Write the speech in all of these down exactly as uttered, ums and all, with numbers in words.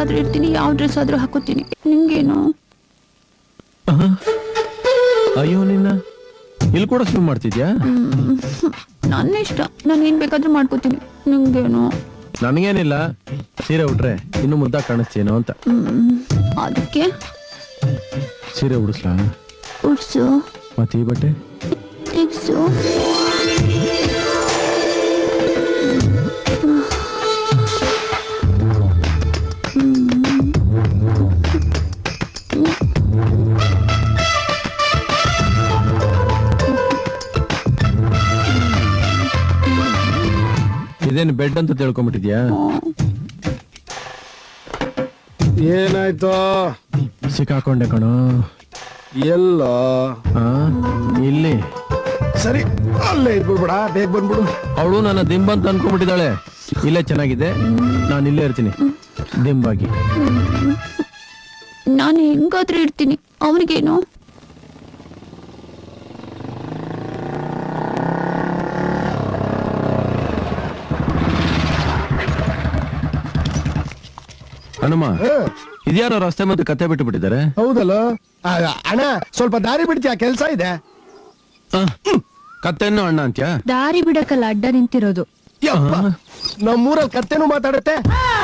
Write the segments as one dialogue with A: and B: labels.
A: ಎಲ್ಲಾದ್ರೂ ಇರ್ತೀನಿ, ಯಾವ ಡ್ರೆಸ್ ಆದ್ರೂ ಹಾಕೋತೀನಿ. ನಿಂಗೇನು?
B: ಅಯ್ಯೋ ನಿನ್ನ ಇಲ್ಲಿ ಕೂಡ ಸ್ವಿಮ್ ಮಾಡ್ತಿದ್ಯಾ?
A: ನನ್ನ ಇಷ್ಟ, ನಾನು ಏನ್ ಬೇಕಾದ್ರೂ ಮಾಡ್ಕೋತೀನಿ. ನಿಂಗೇನು?
B: ನನಗೇನಿಲ್ಲ, ಸೀರೆ ಉಟ್ರೆ ಇನ್ನು ಮುದ್ದ ಕಾಣಿಸ್ತೇನೋ ಅಂತ.
A: ಅದಕ್ಕೆ
B: ಸೀರೆ ಉಡಿಸ್ಲಾ?
A: ಉಡ್ಸು.
B: ಮತ್ತೆ ಈ ಬಟ್ಟೆ
A: ತೆಗ್ಸು.
B: ಇದೇನು ಬೆಡ್ ಅಂತ ತಿಳ್ಕೊಂಡ್ಬಿಟ್ಟಿದ್ಯಾ?
C: ಏನಾಯ್ತು?
B: ಸಿಕ್ಕಾಕೊಂಡೆ ಕಣೋ.
C: ಎಲ್ಲ
B: ಆ, ಇಲ್ಲಿ
C: ಸರಿ, ಅಲ್ಲೇ ಇದ್ಬಿಡ್ಬೇಡ, ಬೇಗ ಬಂದ್ಬಿಡು.
B: ಅವಳು ನನ್ನ ದಿಂಬ ಅಂತ ಅನ್ಕೊಂಡ್ಬಿಟ್ಟಿದ್ದಾಳೆ. ಇಲ್ಲೇ ಚೆನ್ನಾಗಿದೆ, ನಾನು ಇಲ್ಲೇ ಇರ್ತೀನಿ ದಿಂಬಾಗಿ.
A: ನಾನು ಹೆಂಗಾದ್ರೂ ಇರ್ತೀನಿ, ಅವನಿಗೇನು?
B: ಹನುಮ, ಇದ್ಯಾರೋ ರಸ್ತೆ ಮತ್ತೆ ಕತ್ತೆ ಬಿಟ್ಟು ಬಿಟ್ಟಿದ್ದಾರೆ.
C: ಹೌದಲ್ಲ ಅಣ್ಣ, ಸ್ವಲ್ಪ ದಾರಿ ಬಿಡ್ತೀಯ, ಕೆಲ್ಸ ಇದೆ.
B: ಕತ್ತೆನ್ನು ಅಣ್ಣ ಅಂತ್ಯಾ?
A: ದಾರಿ ಬಿಡಕ್ಕಲ್ಲ ಅಡ್ಡ ನಿಂತಿರೋದು.
C: ಯಪ್ಪ, ನಮ್ಮೂರಲ್ಲಿ ಕತ್ತೆನೂ ಮಾತಾಡುತ್ತೆ.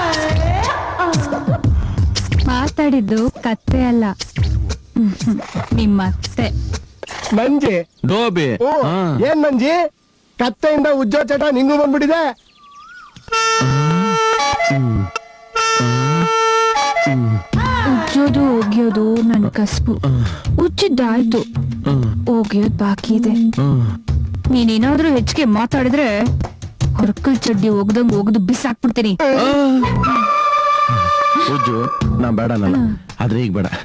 A: ಮಾತಾಡಿದ್ದು ಕತ್ತೆ ಅಲ್ಲ, ನಿಮ್ಮ ಅತ್ತೆ.
C: ನಂಜಿ
B: ಡೋಬಿ.
C: ಓ, ಏನ್ ನಂಜಿ, ಕತ್ತೆಯಿಂದ ಉಜ್ಜೋ ಚಟ ನಿಂಗೂ ಬಂದ್ಬಿಟ್ಟಿದೆ.
A: ಉಜ್ಜೋದು ಒಗಿಯೋದು ನನ್ ಕಸ್ಬು. ಉಜ್ಜಿದ್ದಾಯ್ತು, ಒಗಿಯೋದ್ ಬಾಕಿ ಇದೆ. ನೀನೇನಾದ್ರೂ ಹೆಚ್ಚಿಗೆ ಮಾತಾಡಿದ್ರೆ ಹೊರಕಲ್ ಚಡ್ಡಿ ಒಗ್ದಂಗ್ ಒಗ್ದು ಬಿಸಾಕ್ಬಿಡ್ತೀನಿ.
B: ಉಜ್ಜು ನಾ ಬೇಡ ಅನ್ನಲ್ಲ, ಆದ್ರೆ ಈಗ ಬೇಡ.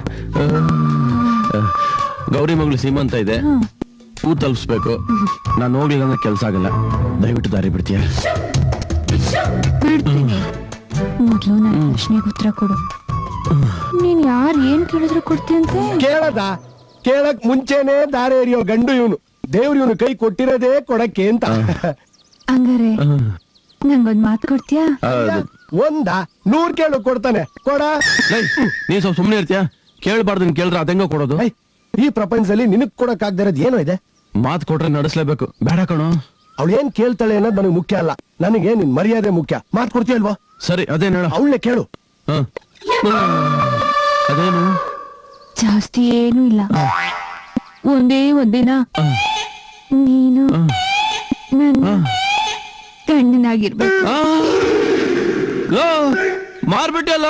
B: ಗೌರಿ ಮಗಳು ಸೀಮಂತ ಇದೆ, ಹೂ ತಲುಪಿಸ್ಬೇಕು. ನಾನು ಹೋಗ್ಲಿಲ್ಲ ಅಂದ್ರೆ ಕೆಲ್ಸ ಆಗಲ್ಲ. ದಯವಿಟ್ಟು ದಾರಿ ಬಿಡ್ತೀಯ?
A: ಬಿಡ್ತೀನಿ. ಮೊದ್ಲು ನನ್ನ ಪ್ರಶ್ನೆಗೆ ಉತ್ತರ ಕೊಡು. ನೀನ್ ಯಾರ್ ಏನ್ ಕೇಳಿದ್ರು ಕೊಡ್ತೀಯಂತೆ?
C: ಕೇಳದ ಕೇಳಕ್ ಮುಂಚೆನೆ ದಾರಿ ಎರಿಯೋ ಗಂಡು ಇವನು. ದೇವ್ರು ಇವನು ಕೈ ಕೊಟ್ಟಿರೋದೇ ಕೊಡಕ್ಕೆ ಅಂತ.
A: ಹಂಗಾರೆ ನಂಗೊಂದ್ ಮಾತು ಕೊಡ್ತೀಯಾ?
C: ಒಂದ ನೂರ್ ಕೇಳು ಕೊಡ್ತಾನೆ, ಕೊಡ.
B: ನೀ ಸ್ವಲ್ಪ ಸುಮ್ನೆ ಇರ್ತೀಯ? ಕೇಳ್ಬಾರ್ದು, ಕೇಳಿದ್ರೆ ಅದೆಂಗೋ ಕೊಡೋದು.
C: ಈ ಪ್ರಪಂಚದಲ್ಲಿ ನಿನಗ್ ಕೊಡಕ್ ಆಗದಿರೋದು ಏನೋ ಇದೆ.
B: ಮಾತು ಕೊಟ್ರೆ ನಡೆಸ್ಲೇಬೇಕು. ಬೇಡ ಕಣೋ,
C: ಅವಳು ಏನ್ ಕೇಳ್ತಾಳೆ ಅನ್ನೋದು ನನಗೆ ಮುಖ್ಯ ಅಲ್ಲ, ನನಗೆ ನಿನ್ ಮರ್ಯಾದೆ ಮುಖ್ಯ. ಮಾತು ಕೊಡ್ತೀಯಲ್ವಾ?
B: ಸರಿ, ಅದೇನು ಹೇಳ.
C: ಅವಳನ್ನೇ ಕೇಳು.
B: ಅದೇನು?
A: ಜಾಸ್ತಿ ಏನೂ ಇಲ್ಲ, ಒಂದೇ ಒಂದಿನ ನೀನು ನನ್ನ ಗಂಡನಾಗಿರ್ಬೇಕು.
B: ಮಾರ್ಬಿಟ್ಟಲ್ಲ.